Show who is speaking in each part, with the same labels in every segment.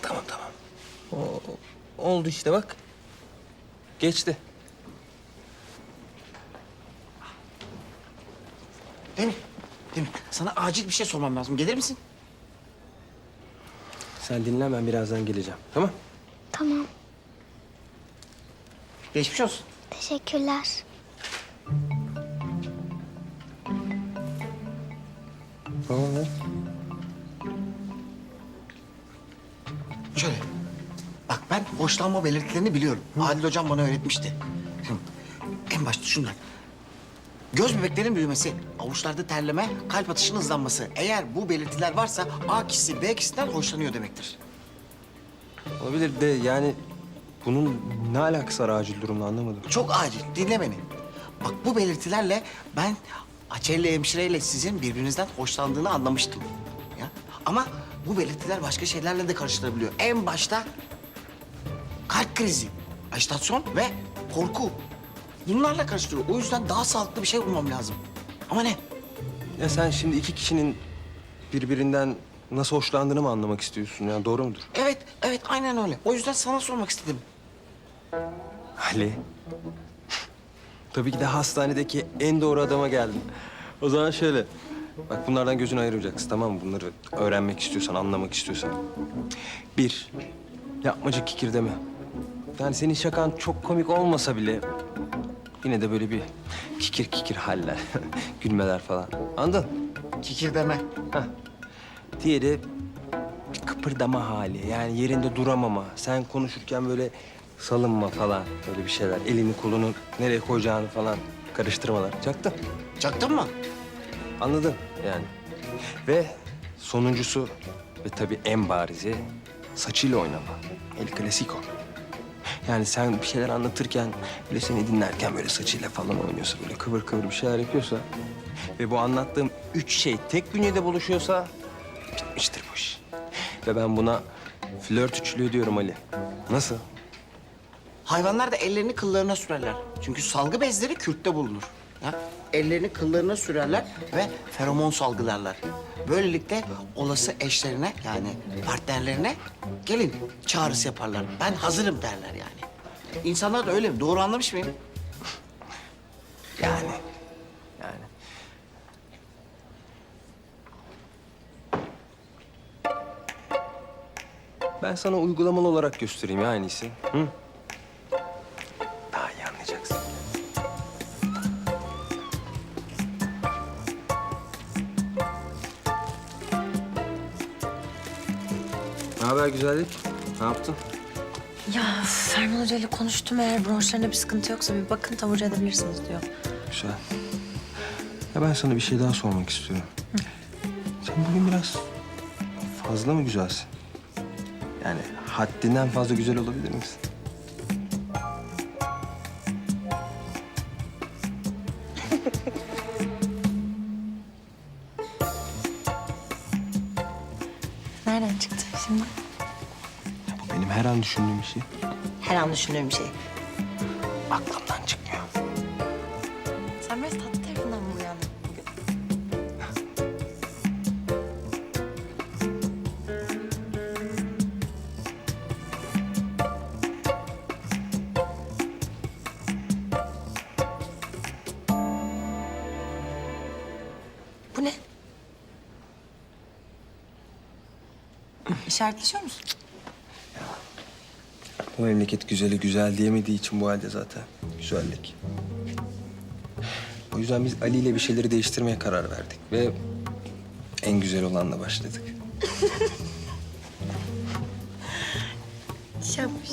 Speaker 1: Tamam. Oldu işte bak. Geçti.
Speaker 2: Demir, sana acil bir şey sormam lazım. Gelir misin?
Speaker 1: Sen dinlen, ben birazdan geleceğim. Tamam?
Speaker 3: Tamam.
Speaker 2: Geçmiş olsun.
Speaker 3: Teşekkürler.
Speaker 1: Tamam lan.
Speaker 2: Şöyle. Bak ben hoşlanma belirtilerini biliyorum. Adil hocam bana öğretmişti. En başta şunlar. Göz bebeklerin büyümesi, avuçlarda terleme, kalp atışının hızlanması. Eğer bu belirtiler varsa A kişisi B kişisinden hoşlanıyor demektir.
Speaker 1: Olabilir de yani bunun ne alakası var acil durumla, anlamadım.
Speaker 2: Çok acil, dinle beni. Bak bu belirtilerle ben Açelli hemşireyle sizin birbirinizden hoşlandığını anlamıştım. Ya. Ama bu belirtiler başka şeylerle de karıştırabiliyor. En başta kalp krizi, ajitasyon ve korku. Bunlarla karıştırıyor. O yüzden daha sağlıklı bir şey bulmam lazım. Ama ne?
Speaker 1: Ya sen şimdi iki kişinin birbirinden nasıl hoşlandığını mı anlamak istiyorsun? Yani doğru mudur?
Speaker 2: Evet, aynen öyle. O yüzden sana sormak istedim.
Speaker 1: Ali. Tabii ki de hastanedeki en doğru adama geldin. O zaman şöyle. Bak bunlardan gözünü ayırmayacaksın, tamam mı? Bunları öğrenmek istiyorsan, anlamak istiyorsan. Bir, yapmacık kikir deme. Yani senin şakan çok komik olmasa bile... yine de böyle bir kikir haller, gülmeler falan. Anladın?
Speaker 2: Kikir deme.
Speaker 1: Heh. Diğeri bir kıpırdama hali. Yani yerinde duramama. Sen konuşurken böyle salınma falan. Böyle bir şeyler. Elini kolunu nereye koyacağını falan karıştırmalar. Çaktın.
Speaker 2: Çaktın mı?
Speaker 1: Anladın yani. Ve sonuncusu ve tabii en barizi saçıyla oynama. El Clasico. Yani sen bir şeyler anlatırken, böyle seni dinlerken böyle saçıyla falan oynuyorsa, böyle kıvır kıvır bir şeyler yapıyorsa... ve bu anlattığım 3 şey tek bünyede buluşuyorsa bitmiştir bu iş. Ve ben buna flört üçlüğü diyorum Ali. Nasıl?
Speaker 2: Hayvanlar da ellerini kıllarına sürerler. Çünkü salgı bezleri kürkte bulunur. Ya, ellerini kıllarına sürerler ve feromon salgılarlar. Böylelikle olası eşlerine yani partnerlerine gelin çağrısı yaparlar. Ben hazırım derler yani. İnsanlar da öyle mi? Doğru anlamış mıyım?
Speaker 1: Yani. Ben sana uygulamalı olarak göstereyim ya en iyisi. Hı? Daha iyi anlayacaksın. Ne haber güzellik? Ne yaptın?
Speaker 4: Ya Ferman Hoca ile konuştum. Eğer bronşlarında bir sıkıntı yoksa bir bakın, taburcu edebilirsiniz diyor.
Speaker 1: Güzel. Ya ben sana bir şey daha sormak istiyorum. Sen bugün biraz fazla mı güzelsin? Yani haddinden fazla güzel olabilir misin?
Speaker 4: Nereden çıktı şimdi?
Speaker 1: Ya bu benim her an düşündüğüm bir şey.
Speaker 4: Her an düşündüğüm bir şey.
Speaker 1: Aklımdan çıkmıyor.
Speaker 4: Sen biraz tatlı tarafından mı uyandın bugün? Bu ne? İşaretleşiyor musun?
Speaker 1: Bu memleket güzeli güzel diyemediği için bu halde zaten. Güzellik. O yüzden biz Ali ile bir şeyleri değiştirmeye karar verdik ve en güzel olanla başladık.
Speaker 4: Yapmış.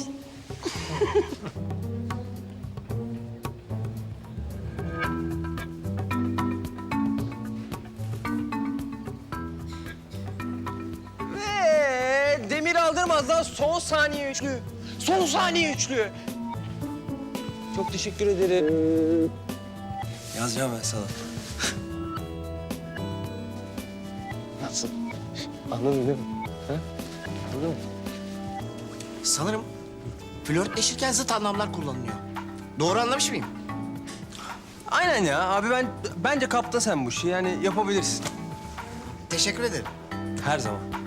Speaker 1: Ve Demir Aldırmaz'dan son saniye üçlü. Son saniye üçlü. Çok teşekkür ederim. Yazacağım ben sana.
Speaker 2: Nasıl?
Speaker 1: Anladın değil mi? Ha? Anladın mı?
Speaker 2: Sanırım flörtleşirken zıt anlamlar kullanılıyor. Doğru anlamış mıyım?
Speaker 1: Aynen ya abi, bence kapta sen bu işi, yani yapabilirsin.
Speaker 2: Teşekkür ederim.
Speaker 1: Her zaman.